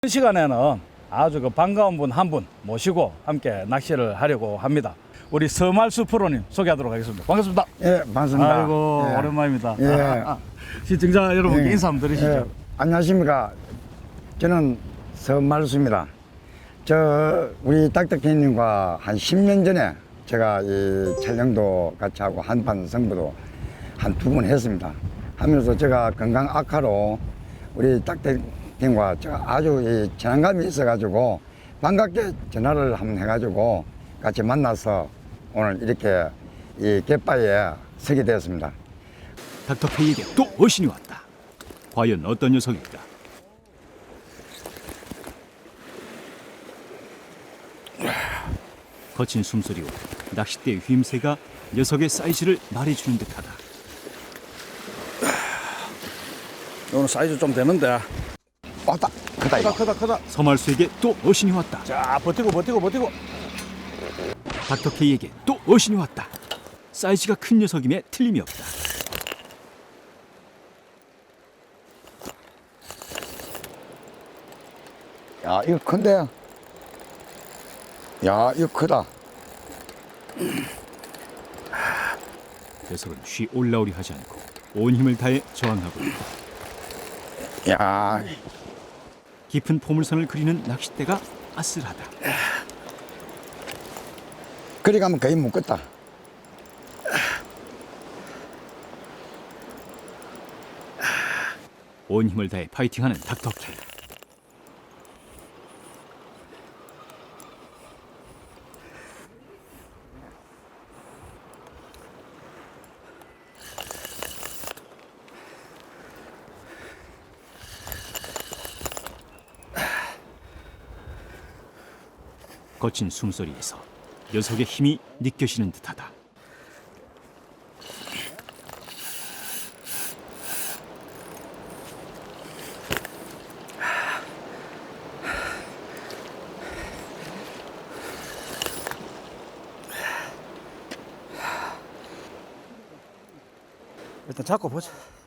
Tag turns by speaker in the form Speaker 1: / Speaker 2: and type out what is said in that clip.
Speaker 1: 이 시간에는 아주 반가운 분 한 분 모시고 함께 낚시를 하려고 합니다. 우리 서말수 프로님 소개하도록 하겠습니다. 반갑습니다.
Speaker 2: 예, 반갑습니다.
Speaker 1: 아이고
Speaker 2: 예.
Speaker 1: 오랜만입니다.
Speaker 2: 예.
Speaker 1: 시청자 여러분께
Speaker 2: 예.
Speaker 1: 인사 한번 드리시죠.
Speaker 2: 예, 안녕하십니까. 저는 서말수입니다. 우리 딱딱해님과 한 10년 전에 제가 이 촬영도 같이 하고 한판 승부도 한 2번 했습니다. 하면서 제가 건강 악화로 우리 딱딱해님과 제가 아주 이 친한감이 있어가지고 반갑게 전화를 한번 해가지고 같이 만나서 오늘 이렇게 이 갯바위에 서게 되었습니다.
Speaker 3: 닥터 K에게 또 어신이 왔다. 과연 어떤 녀석일까? 거친 숨소리와 낚싯대의 휘임새가 녀석의 사이즈를 말해주는 듯하다.
Speaker 1: 오늘 사이즈 좀 되는데.
Speaker 2: 왔다. 크다 이거.
Speaker 1: 크다.
Speaker 3: 서말수에게 또 어신이 왔다.
Speaker 1: 자 버티고.
Speaker 3: 닥터 K에게 또 어신이 왔다. 사이즈가 큰 녀석임에 틀림이 없다.
Speaker 2: 야, 이거 큰데? 야, 이거 크다.
Speaker 3: 녀석은 쉬 올라오려 하지 않고 온 힘을 다해 저항하고 있다.
Speaker 2: 야,
Speaker 3: 깊은 포물선을 그리는 낚싯대가 아슬하다.
Speaker 2: 그리 가면 거의 묶었다.
Speaker 3: 온 힘을 다해 파이팅하는 닥터 K. 거친 숨소리에서 녀석의 힘이 느껴지는 듯하다.
Speaker 1: 일단 잡고 보자.